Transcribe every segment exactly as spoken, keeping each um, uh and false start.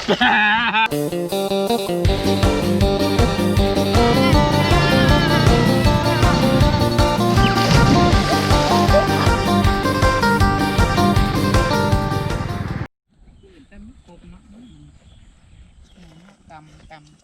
กำกำไป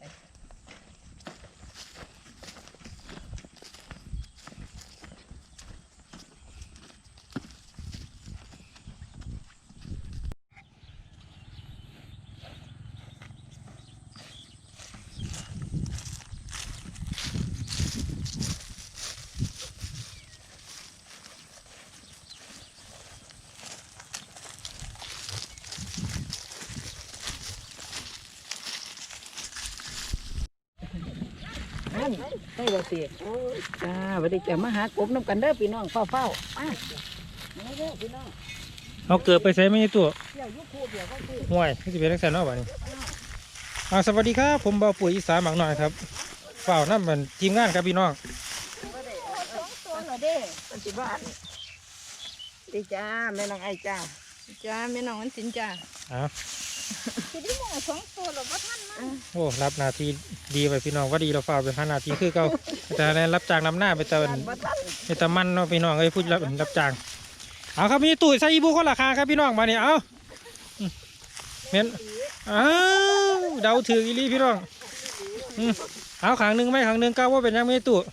ได้บ่สิจ้าวันนี้จะมาหากบน้ำกันเด้อพี่น้องเฝ้าเฝ้ามาเด้อพี่น้องเอาเกิดไปใส่ไม่ตัวเดี๋ยวยุคคู่เดี๋ยวก็คือห่วยที่จะเป็นลักษณะแบบนี้อ่าสวัสดีครับผมบ่าวปุ๋ยอีสานหมักหน่อยครับเฝ้านั่นเป็นทีมงานครับพี่น้องตัวละเด้ปัจจุบันดีจ้าแม่น้องไอจ้าจ้าแม่น้องอันสินจ้าอ้าวทีนี้มองสองตัวหรอว่าท่านมั้งโอ้รับนาทีดีไปพี่น้องว่าดีเราเฝ้าไปห้านาทีคือเก่าแต่ในรับจ้างนำหน้าไปเติมไปตะมันเนาะพี่น้องเอ้ยพูดรับรับจ้างเอาครับมีตู้ใส่อีบูเขาราคาครับพี่น้องมาเนี่ยเอาเมนอ้าวเดาถืออีลีพี่น้องเอาขางหนึ่งไหมขางหนึ่งก้าวว่าเป็นยังไม่ตู้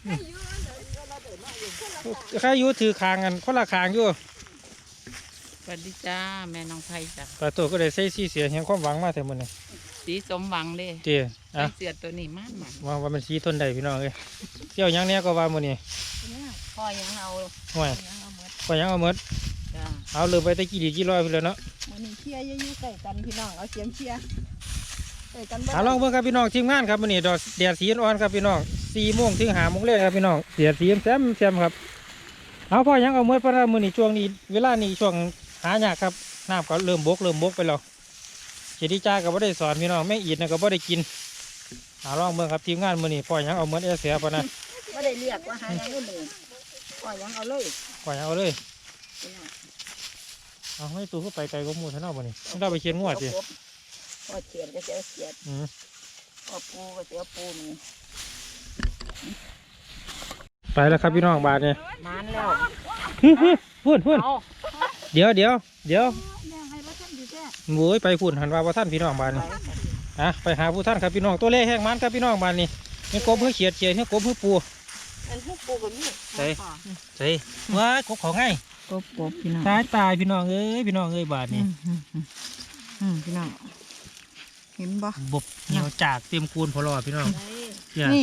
ใครอยู่ถือขางกันคนละขางอยู่สวัสดีจ้าแม่น้องไผ่จ้าแต่ตัวก็ได้ใส่สีเสียเห็นความหวังมาแต่มันนี่สีสมหวังเลยเจี๋อ่ะเสียตัวนี้มากมันว่าว่ามันสีทนได้พี่น้องเลยเที่ยวยังเนี้ยก็ว่ามันนี่พ่อยังเอาห่วยพ่อยังเอาเมดเอาเลยไปตะกี้ดีกี่ร้อยพี่เลยเนาะมันนี่เชียร์ยุ่ยใส่กันพี่น้องเอาเสียงเชียร์ใส่กันบ้างลองเบิ่งครับพี่น้องทีมงานครับมันนี่ดอกแดดสีอ่อนครับพี่น้องสี่โมงถึงห้าโมงเลยครับพี่น้องเสียสีแซมแซมครับเอาพ่อยังเอาเมดเพราะว่ามันนี่ช่วงนี้เวลานี้ช่วงหายากครับน้ำก็เริ่มบกเริ่มบกไปแล้วเจดีจ้าก็บ่ได้สอนพี่น้องแม่อีดนะก็บ่ได้กินเอาลองเบิ่งครับทีมงานมันนี่พ่อยังเอาเมดเอเสียปะนะไม่ได้เรียกว่าหายังอื่นเลยพ่อยังเอาเลยพ่อยังเอาเลยเอาให้ตัวเข้าไปไกลก็มูท่านเอาบ่นี่ต้องได้ไปเชียนงวดสิพ่อเชียนก็เสียเสียพ่อปูก็เสียปูนี่ไปแล้วครับพี่น้องบาทเนี่ยนานแล้วพูดพูดเดี๋ยวเดี๋ยวเดี๋ยวโว้ยไปพูดหันว่าพระท่านพี่น้องบาทนี่อ่ะไปหาผู้ท่านครับพี่น้องตัวเล็กแห้งมันครับพี่น้องบาทนี่นี่กบเพื่อเขียดเขียดนี่กบเพื่อปูใช่ใช่ว้ากบของไงกบกบพี่น้องตายตายพี่น้องเอ้ยพี่น้องเอ้ยบาทนี่พี่น้องเห็นบ่บบเหนียวจากเตรียมคูนพอรอพี่น้องนี่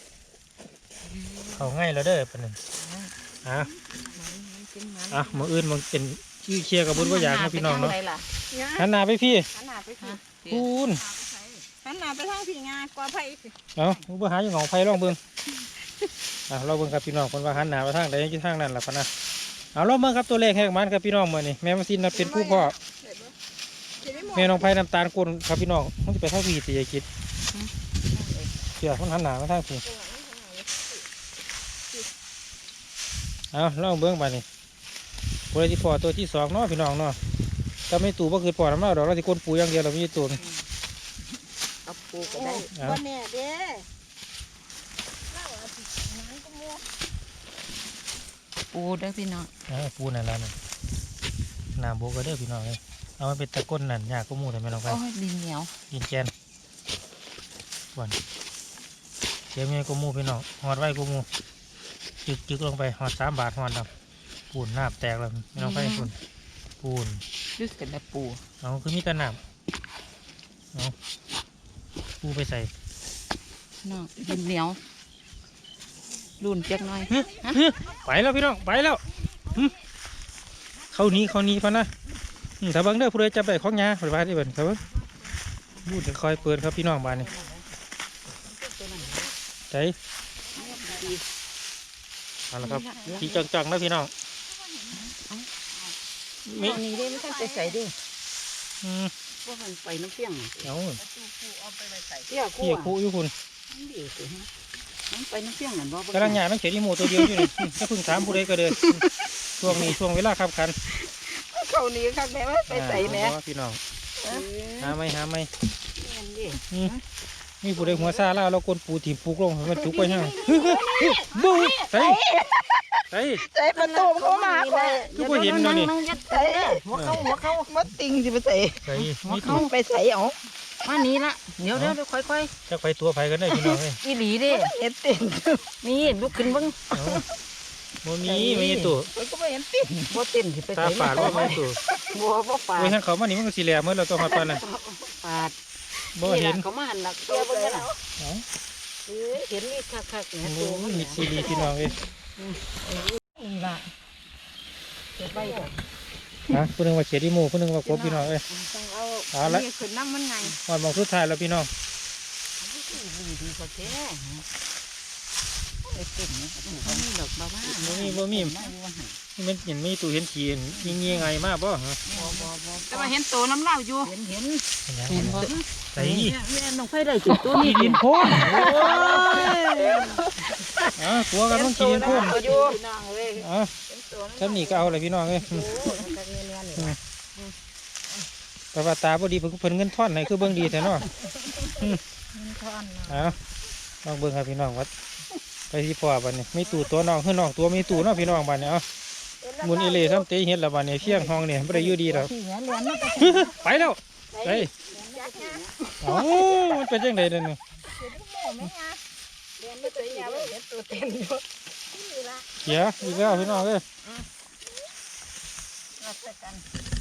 เขาง่ายแล้วเด้อเป็นหนึ่งอ่ะอ่ะมืออื่นมันเป็นชื่อเชียร์กับบุญว่าอยากนะพี่น้องเนาะหันหน้าไปพี่คูนหันหน้าไปทางพี่งากว่าไผ่สิเอาเบื่อหาอย่างของไผ่ลองเบิ้งอ่ะเราเบิ้งครับพี่น้องคนว่าหันหน้าไปทางใดที่ทางนั้นแหละพะนะเอาลองเบิ้งครับตัวเลขแหกมันครับพี่น้องเมื่อนี่แม่มาซินเป็นผู้พ่อแม่น้องไผ่น้ำตาลกุนครับพี่น้องมันจะไปทางพี่ตียกิดเชื่อคนหันหน้าไปทางพี่เอาลองเบิ้งไปนี่บริษัทปอตัวที่สองเนาะพี่น้องเนาะถ้าไม่ตู่ก็คือปอน้ำเน่าดอกเราที่ก้นปูอย่างเดียวเราไม่ตู่เอาปูก็ได้วันนี้เด้ปูได้พี่น้องปูนั่นแล้วนะน้ำโบก็ได้พี่น้องเลยเอาไปเป็นตะก้นนั่นยากก็มูแต่ไม่ลองไปดินเหนียวดินแกนวันเสียเมียก็มูพี่น้องหอดไว้ก็มูจึกจึกลงไปหอดสามบาทหอดดำปูนน้ำแตกแล้วไม่ต้องไปปูนปูนยึดกันแต่ปูเอาคือมีแต่น้ำเอาปูไปใส่น้องดินเหนียวรุ่นเจ็กน้อยไปแล้วพี่น้องไปแล้วเขานี้เขานี้พะนะถ้าบังเด้อผู้ใดจะไปของยาไปบ้านที่เบิ่นครับพูดจะคอยเปิดครับพี่น้องบ้านนี่ใจเอาละครับจีจังๆนะพี่น้องมีนี่ได้ไม่ใช่ใส่ดิอืมว่ามันไปน้ำเพียงเอาเที่ยวคู่คู่อยู่คุณมันไปน้ำเพียงเหมือนว่ากำลังหยาต้องเขียนอีโมตัวเดียวอยู่นี่ถ้าพึ่งถามผู้ใดก็เดินช่วงนี้ช่วงเวลาขับขันเขานี้ครับแม่ว่าไปใส่แม่พี่น้องหาไม่หาไม่อืมมีผู้ใดหัวซาล่าเรากลปูถีบปูกลงมันจุกไปยังบูใส่ใส่ใส่ประตูเข้ามาคอยคือบ่เห็นเนาะนี่ใส่หัวเข้าหัวเข้ามัดติงสิไปใส่ใส่หัวมีเข้าตัวไปใส่เอามานี้ละเดี๋ยวเดี๋ยวค่อยจะไปตัวไผกันได้พี่น้องเอ้ยๆอีหลีเด้เห็นติ่งนี่ลุกขึ้นเบ้างโมมีไม่มีตัวมันก็ไม่เห็นติ่งบ่เต้นสิไปตาฝาดว่าไม่ตัวบัวบ่ฝาดเว้ยท่านเขามานี่มันก็สีแหลมเมื่อเราต้องหอดปันน่ะฝาดบ่เห็นเขามาหันหลักเตี้ยเบิ่งกันน่ะเอ้าเอ้ยเห็นนี่คักๆเนี่ยโอ้ตัวมันมีซีรีพี่น้องเอ้ยนี่ล่ะเก็บไว้ก่อนฮะผู้หนึงว่าเขียดอีหมูผู้หนึงว่ากบพี่น้องเอ้ยต้องเอาเอาละขึ้นน้ำมันไงหอดมองสุดท้ายแล้วพี่น้องดีดีก็แท้ไอ้เต้นนี่บ่มีดอกบ้าบ้าบ่มีบ่มีนี่มันเห็นมีตู้เห็นขีนยิงยิงไงมาบ่ฮะบ่บ่บ่แต่ว่าเห็นตัวน้ำเล่าอยู่เห็นเห็นเห็นบ่ใส่แม่น้องไฟได้จุดตัวขีนี้ดินโพนโอ้ยอ่ะตัวกันต้องขีดินโพนอยู่น้องเอ้ยอ่ะท่านนี่ก็เอาเลยพี่น้องเอ้ยโอ้คักๆเนียนๆนี่แต่ว่าตาบ่ดีเพิ่นเพิ่นเงินท่อนไหนคือเบิ่งดีแต่เนาะมันทอนเนาะเอาลองเบิ่งครับพี่น้องวัดไปที่พ่อบัดนี้มีตู่ตัวน้องคือน้องตัวมีตู่เนาะพี่น้องบัดนี้เอาหมุนอีเหล่ซ้ำเตะเฮ็ดแล้วบัดนี้เที่ยงห้องนี่บ่ได้อยู่ดีดอกที่แหวนเรียนมันก็ไปแล้วไปเอ้ามันเป็นจังได๋เด้อนี่เรียนไม่ตัวใหญ่ว่าเห็นตัวเต็มอยู่เขียอีกแล้วพี่น้องเอ้ยรับใส่กัน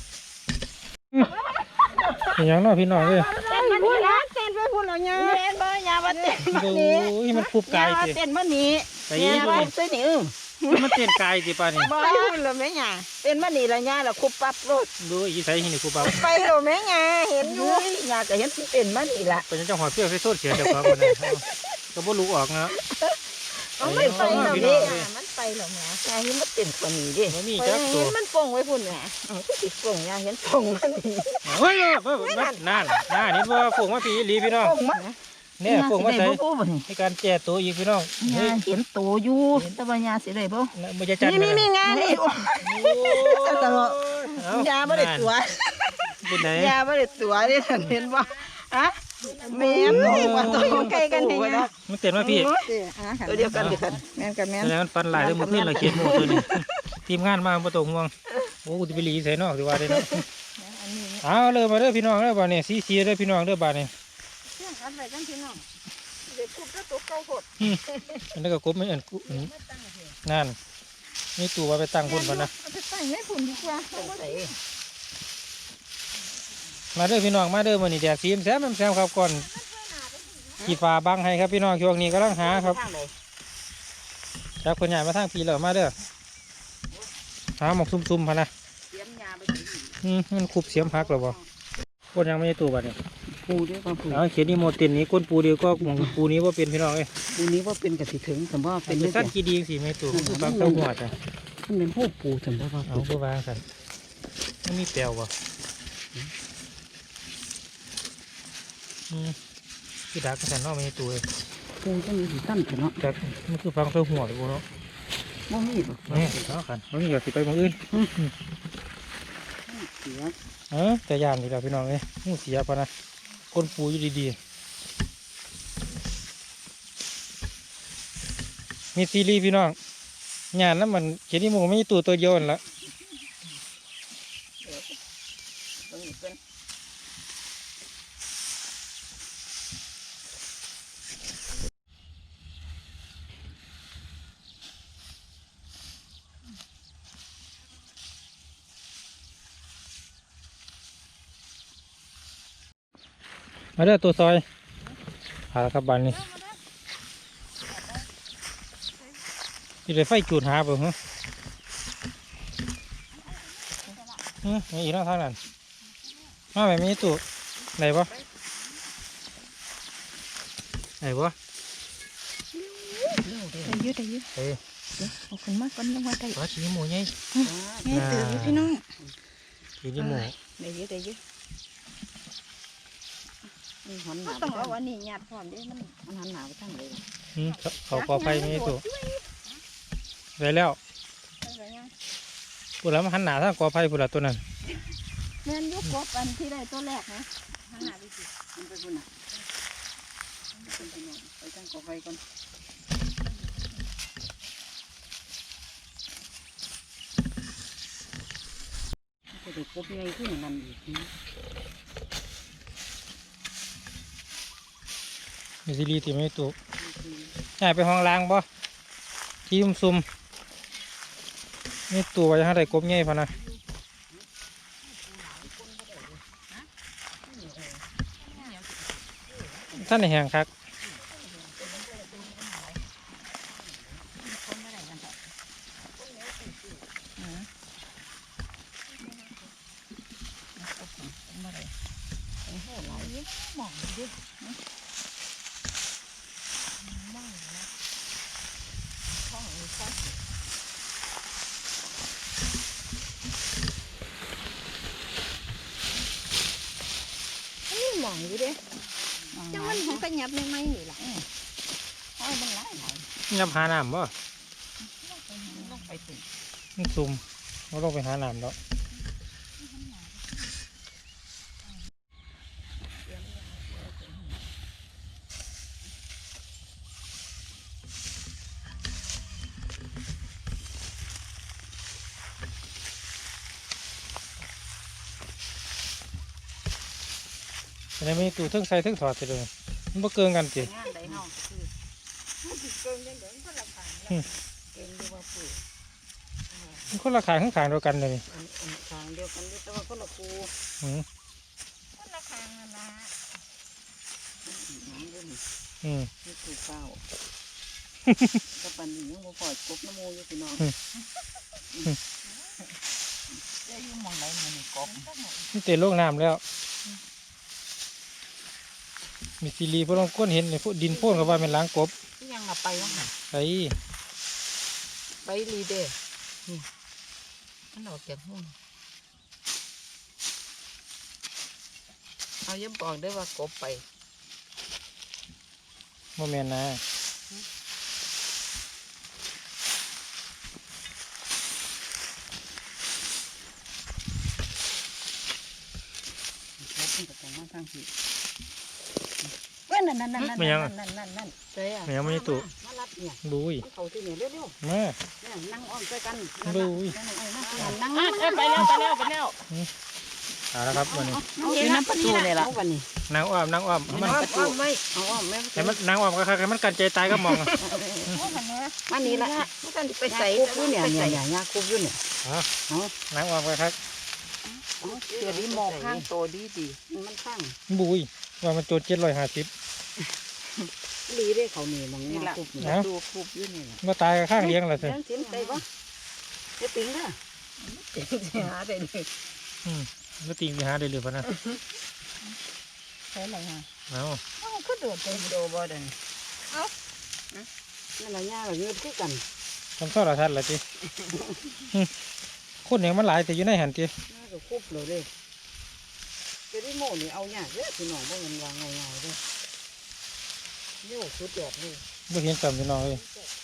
เป็นหยังเนาะพี่น้องเอ้ยเต้นมันนี่นะเต้นไปพุ่นแล้วเนี่ยเต้นบ่ยาบ่เต้นโอ้ยมันคุบกายยาสิเต้นบ่หนีไปยาอีกบ่เลยซื้อนี่อึ้งมันเต้นกายสิป่านนี้บ่พุ่นแล้วแม่ยาเต้นบ่หนีแล้วยาแล้วคุบปั๊บโลดดูอีไสหินี่กูเบาไปแล้วแม่ยาเห็นอยู่ยาก็เห็นเต้นบ่หนีล่ะเป็นจังหอดเปรี้ยวใส่โซดเขียนเดี๋ยวก่อนนะก็บ่รู้ออกนะเอาไม่ไปแล้วพี่น้นี่องเอ้ยมันไปแล้วแม่ยาเห็นมันเต้นกว่านี้ดิบ่มีไปจักตัเห็วนมันป่งไว้พุ่นแหม่เอ้าคือสิป่งยาเห็นป่งมันนี่เฮ้ยเฮ้ยนั่นนั่นน่านี่ว่าฝูงมาปีอีหลีพี่น้องป่งมันเนี่ยฝูงมาใส่บ่บ่บ่นี่ในการแก้ตัวอีกพี่น้องยาเฮ้ยเห็นโตอยู่แต่ว่ายาสิได้บ่มันจะจัดนี่นี่นี่งานนี่ ตลอด ยาบ่ได้ตัวเป็นไหนยาบ่ได้ตัวนี่เห็นบ่ฮะแม่นนี่ว่าตัวใกล้กันนี่นะมันเต็มว่าพี่ตัวเดียวกันเดียวกันแม่นกับแม่นแล้วมันฟันหลายเลยมันขึ้นเราเขียนหมูตัวนี้ทีมงานมาประตูห่วงโอ้กูจะไปหลีใส่นอกดีว่าเลยเนาะเอาเลยมาเด้อพี่น้องเด้อบ้านนี้สีสีเด้อพี่น้องเด้อบ้านนี้เรื่องอันไว้กันพี่น้องเด็กคุบแล้วตัวเก่าโพดอันนี้ก็กบไม่อันกูนั่นนี่ตัวว่าไปตั้งคนพอนะเอาไปใส่ให้พุ่นดีกว่าใส่มาเด้อพี่น้องมาเด้อวันนี้แดดสีแซมแซมครับก่อนขีดฟ้าบังให้ครับพี่น้องช่วงนี้กำลังหาครับทางใดจากคนใหญ่มาทางปีเหล่ามาเด้อหาหมกซุ่มๆพะนะเตรียมยาไปถึงอืมมันคุบเสียมพักหรอบ่คนยังไม่ได้ตัวบัดนี้ปูเด้อปูเอาเขียนนี่โมเต็นนี้ก้นปูเดียวก็หมองปูนี้ว่าเป็นพี่น้องเอ้ยปูนี้ว่าเป็นกะสิถึงสมบ่เป็เป็น นเด้อสั้นกี่ดีสิไม่ตัวบางเต้าหัวจ้ะมันเป็นผู้ปูสมบ่ว่าเอาก็วางสันมันมีแปลวบ่อืมที่ดักสันเนอกไม่ได้ตัวเอ้ยปูจังมีสิตั้นเนาะจากมันคือฟังเต้าหัวเลยบ่เนาะบ่มีบ่นี่เอาขันเอานี่ก็สิไปหมองอื่นเสียเออแต่ยานดีแล้วพี่น้องเอ้ยงูเสียปะนะก้นปูอยู่ดีๆมีซีรีส์พี่น้องงานนั้นมันเขียนที่หมูไม่มีตัวตัวเดียวนั่นละตรงนี้เป็นมาเด้อตัวซอยหาแล้วครับบานนี้ที่เลยไฟจูดหาเปล่าฮะฮะมีอีกแล้วทางนั้นมาแบบนี้ตัวไหนบ่ไหนบ่ได้ยืดได้ยืดเอ้ยเอาขึ้นมาก่อนยังว่าได้ปลาชีหมูไงแม่ตื่นอยู่พี่น้องชีหมูได้ยืดได้ยืดมีหันหก็น้าต้องเอาอันนี้หยาดพร้อมเด้มันมันหันหน้าไปทางใดอืมเขาเขากอไฟมีตัวได้แล้วพูดแล้วมันหันหนาทางกอไฟพูดแล้วตัวนั้นแม่นยุกกบอันที่ได้ตัวแรกนะขนาดนี้สิมันไปบุญอ่ะไปตั้งกอไฟก่อนจะได้กบใหญ่ขึ้นนั่นอีกมีซีรีส์ที่ไม่ตุกง่ายไปห้องล้างบ่ที่ซุ่มซุ่มนี่ตัวยังได้กบใหญ่พอนะท่านในแห่งคักหมองดินี่หมองอยู่เด้จังมันของกระยับไม่ไหมนี่ล่ะอ้อยมันหลายหลายยับหาน้ำบ่ลงไปถึงมันซุ่มเราต้องไปหาน้ำแล้วอันนี้ไม่ตู้ทึ่งใส่ทึ่งถอดไปเลยมันบ่เกินกันสิงานใดเฮาคือเกินยังเดินคนละขางเก่งดีว่าปุ๋ยมันคนละขายข้างขางเดียวกันเลยอันอันทางเดียวกันอยู่แต่ว่าคนละครูอืมคนละขางนั่นล่ะน้ำด้วยนี่อืมนี่คือข้าวกับปันนี้ยังบ่ปล่อยกบน้ำมูอยู่พี่น้องจะอยู่มองไหนมันนี่กบนี่เตะโลกน้ำแล้ว มีซีรีส์พวกเราก้นเห็นในพวกดินโพ่นกับว่าเป็นล้างกบยังมาไปวะไอ้ไปรีเด้นี่มันออกจากหุ้นเอาย้ำบอกได้ว่ากบไปโมเมนนะกบมันก็ต้องมาทางที่เว้ยนั่นนั่นนั่นนั่นนั่นนั่นนั่นใช่อ่ะไม่ยังไม่ตุมารับเนี่ยดูยเขาที่เนี่ยเร็วมาๆเนี่ยนั่งอ้อมด้วยกันดูยนั่งนั่งนั่งไปแล้วไปแล้วไปแล้วเอาละครับวันนี้อยู่น้ำประตูเลยล่ะวันนี้นางอ้อมนางอ้อมมันอ้อมไม่เอาอ้อมแม่แต่มันนางอ้อมก็คือมันกันใจตายก็มองมานี่ละไม่ต้องไปใส่คุบอยู่เนี่ยเนี่ยเนี่ยยาคุบอยู่เนี่ยนางอ้อมก็คือเดี๋ยวนี้มองข้างโตดีดีมันข้างบุยว่ามันโจดเจ็ดร้อยห้าสิบดีได้เขานี่มองยาคุบประตูคุบอยู่นี่มาตายกับข้างเลี้ยงแล้วสิเลี้ยงทิ้งไปปะจะปิ้งเด้อหาได้เลยอืมแล้วติงไปหาได้เลยพะนะใช่เลยฮะเอามันก็โดดไปโดบ่ได้เอ้านั่นละยาแบบนี้คือกันทำข้าวราทัดละจีคนอย่างมันหลายแต่อยู่ในหันจีน่าจะคุบเลยเด้จะได้โม่นี่เอายากเด้อพี่น้องบ่เงินวางเงาๆเด้อโย่สุดยอดเลยไม่เห็นจำพี่น้องเลย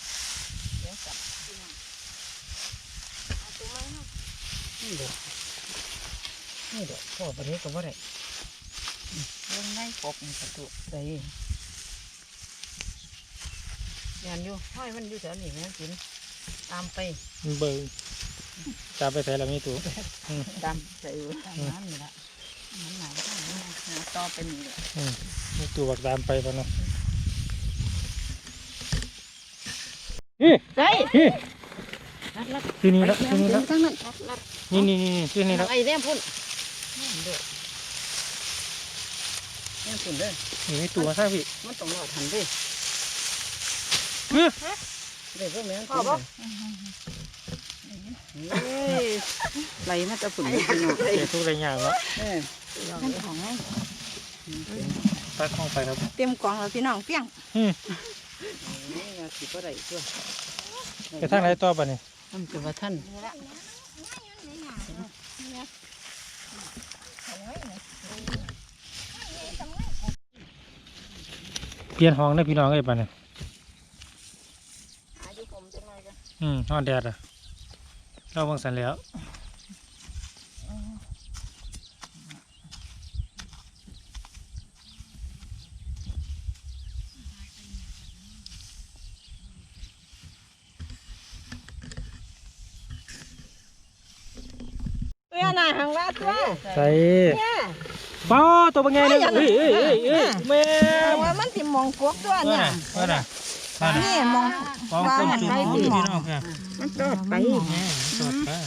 นี่เด้อนี่เด้อพ่อประเทศก็บ่ได้เรื่องในกบนี่ประตูใส่ยันอยู่ห้อยมันอยู่แถวนี้แม่กินตามไปเบิ่งจับไปใส่ละมีตัวตามใส่ตามน้ำนี่ละมันหนาวหาต่อไปนี่แหละอืมมีตัวบักตามไปพะเนาะนี่ใส่นี่รัดรัดที่นี่ละที่นี่ละทั้งนั้นรัดรัดนี่นี่นี่ที่นี่ละไอ้แนมพุ่นเด้อแนมพุ่นเด้อนี่มีตัวซะพี่มันต้องรอทันเด้อเฮ้ยเด้อพวกแม่พ่อบ่เฮ้ยไหลมาจะฝุ่นเลยพี่น้องเดี๋ยวทุกอะไรอย่างเนาะเออท่านของไงตักห้องไปครับเต็มกล่องแล้วพี่น้องเปี้ยงอืมนี่ยสิบ่ได้ตัวไปทางไหนต่อปะนี่มันจะว่าท่านเปลี่ยนห้องได้พี่น้องไอ้ปะเนี่ยหาอยู่ผมจังเลยกันอืมนอนแดดอ่ะเราเบิ่งสันแล้วน่ะหังว่าตัวใส่เนี่ยเป้าตัวเป็นไงเนี่ยเอ้ยเอ้ยเอ้ยเอ้ยแม่ว่ามันสิมองกบตัวเนี่ยว่าน่ะว่าน่ะนี่มองฟองต้มจุ่มพี่น้องค่ะมันตอดไปแม่สดไป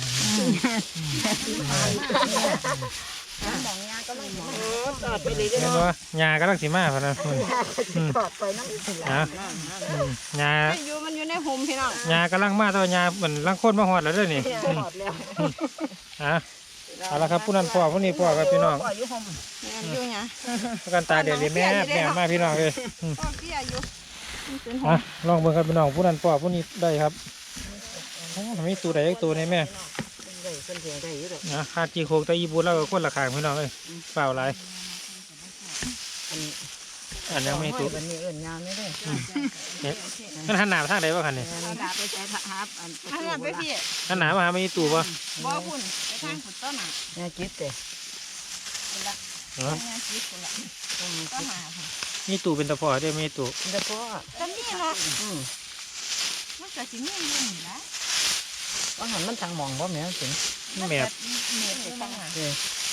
ดอกยาก็ไม่ตอดไปเลยเห็นว่ายากำลังสีมาพอนะตอดไปน้ำสิละนะยาอยู่มันอยู่ในหุมพี่น้องยากำลังมาตัวยาเหมือนลังคนมาหอดแล้วด้วยนี่ตอดแล้วฮะเอาละครับผู้นั้นพ่อผู้นี้พ่อครับพี่น้องอยู่หุมอยู่เนี่ยประกันตาเดี๋ยวนี้แม่แม่มาพี่น้องเลยพ่อเตี้ยอยู่อ่ะลองเบิ่งครับพี่น้องผู้นั้นพ่อผู้นี้ได้ครับมีตัวใดอีกตัวในแม่ได้เพิ่นเสียได้อยู่ดอกนะคาจีโคกตะยีบูแล้วก็คนละขางพี่น้องเลยเปล่าไรอันอันยังไม่ตัวอันนี้เอิ้นยาวไม่ได้เนี่ยมันหันหนาไปทางไหนบ้างคันนี่ดาไปใช้ทับอันอันนั้นไปพี่หันหนามาหาไม่ตัวป่ะบ่พุ่นไปทางขุดต้นน่ะยาจิตเด้เออเนี่ยคิดคนละก็มาค่ะมีตัวเป็นตะพอได้ไม่ตัวแล้วก็ตอนนี้เนาะอืมมันก็สิมีเงินนะว่าหันมันทางมองบ่แม่นถึงนี่แมบเม็ดไปตั้งหาเด้อ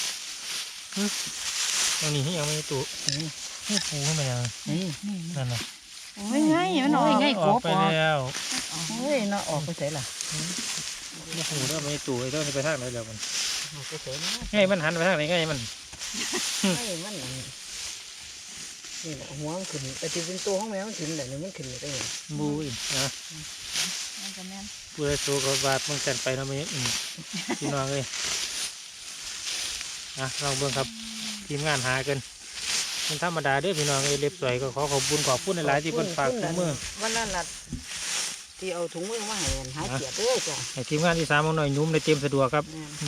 อันนี้ยังไม่ตัวนี่ปูขึ้นมายังนี่นั่นน่ะโอ้ยไงมันออกไงออกไปแล้วเฮ้ยเนาะออกไปไสล่ะนี่ปูเริ่มไม่ตัวไอ้เจ้านี่ไปทางไหนแล้วมันออกไปไสนะไงมันหันไปทางไหนไงมันเฮ้ยมันอันนี้นี่แหละหัวมันขึ้นแต่ที่เป็นตัวของแมวมันขึ้นแต่นี่มันขึ้นได้ยังบูอีกนะมันจะแม่นปูได้ตัวกับบาดมึงกันไปนะไม่อืมพี่น้องเลยนะลองเบิ่งครับทีมงานหากันมันธรรมดาเด้อพี่น้องเอ้ยเล็บสวยก็ขอขอบคุณขอบคุณหลายๆที่เพิ่นฝากถุงมือวันนั้นล่ะที่เอาถุงมือมาให้อันหาเกียรติเด้อจ้ะให้ทีมงานที่สามเอาหน่อยยุ่มในเตรียมสะดวกครับแม่น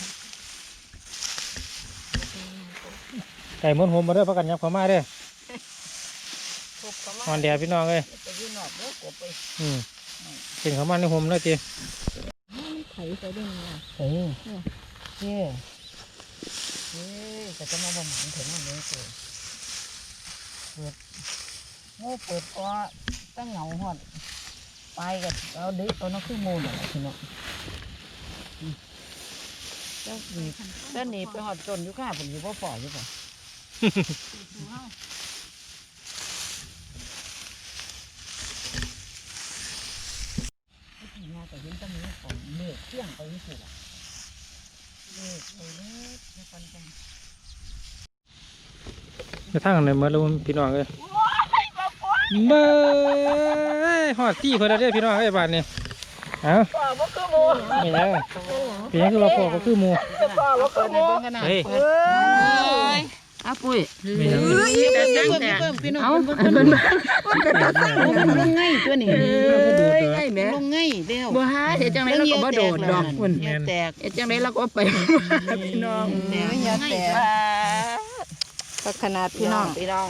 ไก่ม้วนโฮมมาเด้อพักกันยับเข้ามาเด้อพบเขานมาอนแดดพี่น้องเลยไปยืนนอกเด้อกบไปอืมเป็นเข้ามาในโฮมเลยจีไถไปด้วยเนี่ยเฮ้ยเฮ้ยเฮ้ยแต่จะมาบ่หมันถึงมันเลยเปิดเปิดโง่เปิดก็ตั้งเหงาหอดไปกันเอาดิเอาน้องขึ้นมูลอะไรทีเนาะเจ้าหนีเจ้าหนีไปหอดจนอยู่ข้าผมอยู่พ่อฝ่ออยู่ป่ะงานแต่ยังต้องมีของเมฆเที่ยงไปที่สุดอ่ะเมฆไปเล็กในคนจังจะทั้งไหนเมื่อแล้วพี่น้องเลยเบ้ยหอดที่เพื่อนเด้อพี่น้องไอ้บ้านนี่เอ้าพ่อบ่คือหมูไม่ยังเป็นยังคือว่าพ่อก็คือหมูพ่อบ่คือหมูเฮ้ยเอ้ยอ้าปุ้ยไม่ยังแต่จังแต่เอามันมันมันลงง่ายตัวนี้ง่ายแม่ลงง่ายเดียวบ่ฮะเฮ็ดจังได๋เราก็บ่โดดดอกพุ่นแตกเฮ็ดจังได๋เราก็ไปพี่น้องแตกอย่าแตกก็ขนาดพี่น้องพี่น้อง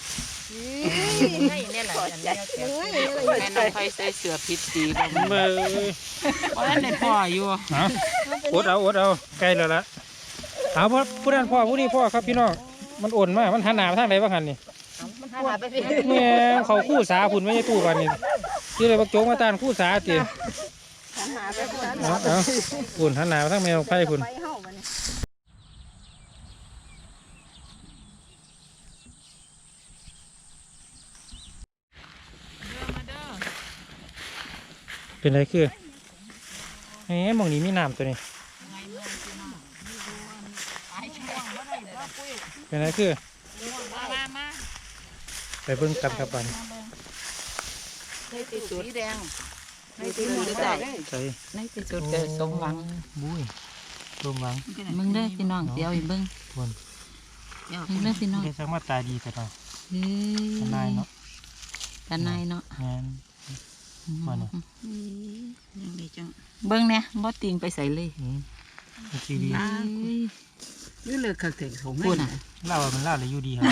นี่แหละอันนี้แม่น้องไผใส่เสื้อผิดสีบ่เบ้ยบ่ทันได้พ่ออยู่เอาอดเอาอดเอาใกล้แล้วละเอาพ่อผู้นั้นพ่อผู้นี้พ่อครับพี่น้องมันอ่อนมากมันหันหน้าไปทางไหนบ้างหันนี่มันหาไปพี่แม่เขาคู่สาผุนไม่ใช่ตู้กันนี่ที่เลยบักโจงมาตานคู่สาตีหาไปพุ่นเอาเอาผุนหันหน้าไปทางแมวไผ่ผุนไปเฮาบัดนี้เป็นไรคือเอ๊ะมองนี้มีน้ำตัวนี้เป็นไรคือมามาไปเบิ่งกันครับบัดนในที่สุดสีแดงในที่สุดได้ใส่ในที่สุดเกิดสมหวังบุ้ยสมหวังมึงเด้อพี่น้องเดี๋ยวอีเบิ่งทวนมึงเด้อพี่น้องได้สักมาตาดีแต่เนาะเฮ้ยทนายเนาะตาในายเนาะงานมาเนาะยังได้จังเบิ่งเนี่ยบ่ติงไปใส่เลยอืมมันสีดีเอ้ยนี่เลยขัดถึงของพูดน่ะเล่ามันเล่าเลยอยู่ดีครับ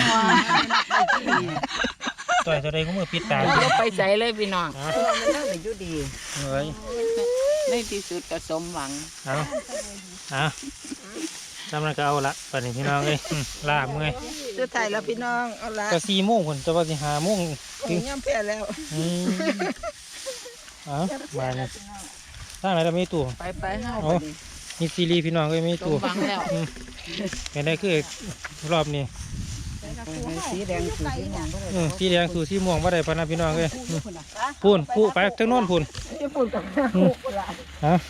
ต่อยตัวใดก็มือปิดตาบ่ไปใส่เลยพี่น้องเอามันน่าจะอยู่ดีเฮ้ยในที่สุดก็สมหวังเอาเอาจำนั้นก็เอาละปันนี้พี่น้องเลยอืมลาบเมื่อยจะถ่ายแล้วพี่น้องเอาละก็สี่โมงคนจะว่าสิหาโมงถึงย่ำแพ้แล้วอืมเอาบายเลยตั้งไหนเราไม่ตู้ไปไปห้าเอาไปดิมีซีรีส์พี่น้องก็มีสมตัวหวังแล้วเป็นได้คือรอบนี้สีแดงสีสีม่วงบ่ได้อืมสีแดงสู่สีม่วงว่าได้พะนะพี่น้องเลยพูนพูไปทั้งโน้นพูนจะพูดกับฮะ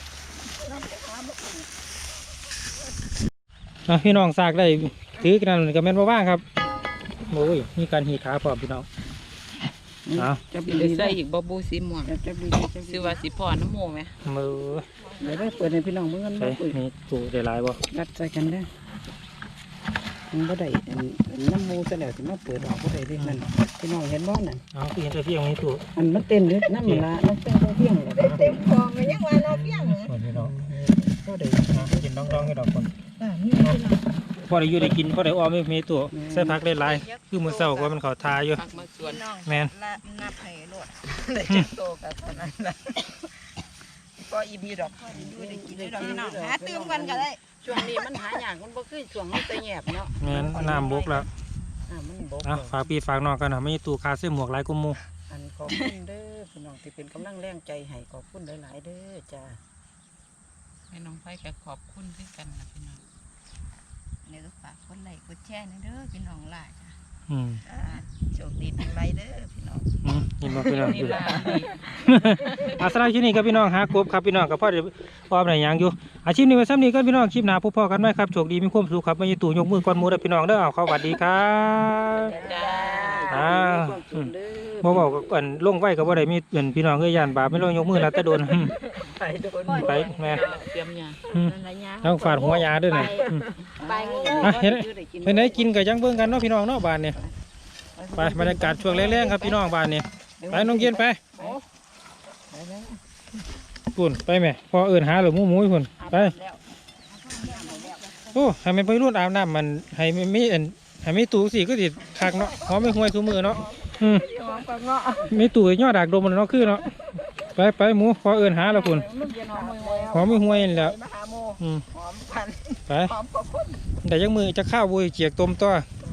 อ่ะพี่น้องซากได้ถือกันกับแม่นบ่ว่างครับโอ้ยมีการหีขาพร้อมพี่น้องเอาจะสิดีได้ได้ใส่อีกบ่บูสีม่วงจะดีจะซื้อว่าสิพอน้ำหมูไหมมือเดี๋ยวได้เปิดให้พี่น้องเมื่อกันใช่บ่เปิดนี่ตัวได้หลายบ่รัดใส่กันได้มันบ่ได้น้ำมูซะแล้วสิมาเปิดออกบ่ได้เด้นั่นพี่น้องเห็นบ่นั่นเอาคือเห็นแต่เพียงนี้ตัวอันมันเต้นอยู่น้ำมันละมันเต้นเพียงเลยเต็มคอมันยังว่าเราเพียงพี่น้องก็ได้กินน้องๆให้ดอกคนอ่านี่พอได้อยู่ได้กินพอได้อ้อมไม่มีตัวใส่ผักได้หลายคือมื้อเช้าก็มันเขาทาอยู่ผักมาสวนแม่นนับให้โลดได้จักโตกันเท่านั้นล่ะก็อีบีดอกอยู่ได้กินได้ดอกพี่น้องหาตื่มกันก็ได้ช่วงนี้มันหายากมันบ่คือช่วงมันจะแยบเนาะแม่นน้ำบกแล้วอ่ามันบกอ่ะฝากพี่ฝากน้องกันนะไม่ตู้คาเสื้อหมวกหลายกุมมูอันขอบคุณเด้อพี่น้องที่เป็นกำลังแรงใจให้ขอบคุณหลายๆเด้อจ้าให้น้องไฟก็ขอบคุณด้วยกันนะพี่น้องเดี๋ยวฝากกดไลค์กดแชร์นะเด้อพี่น้องหลายจ้ะอืมอ่าโชคดีทั้งไรเด้อพี่น้องอืมยินมาพี่น้องนี่อยู่ล่ะนี่อาสาที่นี่ครับพี่น้องหากบครับพี่น้องกับพ่อเดี๋ยวพ่อไหนยังอยู่อาชีพนี้ไว้ซ้ำนี้ก็พี่น้องคลิปหนาพบพ่อกันไหมครับโชคดีมีความสุขครับไม่ยตู่ยกมือก้อนหมูเด้อพี่น้องเด้อเอาเข้าสวัสดีครับจ้าอ่าความสุขเด้อบ่บอกก่อนลงไว้กับว่าได้มีเหมือนพี่น้องเอ้ยยานบาปไม่ลงยกมือแล้วแต่โดน อืมไปโดนไปแม่เตรียมยาอืมนั่นละยาต้องฝาดหัวยาด้วยนะอืมไปงูอ่ะเห็นเห็นไหนกินกับยังเบิ่งกันเนาะพี่น้องเนาะบ้านเนี่ยไปบรรยากาศช่วงแรงๆครับพี่น้องบ้านเนี่ยไปน้องเย็นไปปุ่นไปแม่พอเอิญหาหรือมูหมูปุ่นไปโอ้ให้มันไปรุ่นอาบน้ำมันให้มันมีอันให้มีตู้สิก็ติดคักเนาะหอมไม่ห่วยทุกมือเนาะอืมมีตู้ย่อดากดมมันเนาะคือเนาะไปไปหมูพอเอิญหาแล้วปุ่นหอมไม่ห่วยนี่แหล้วอืมไปแต่ยังมือจะข้าวบุยเจียกต้มตัวไ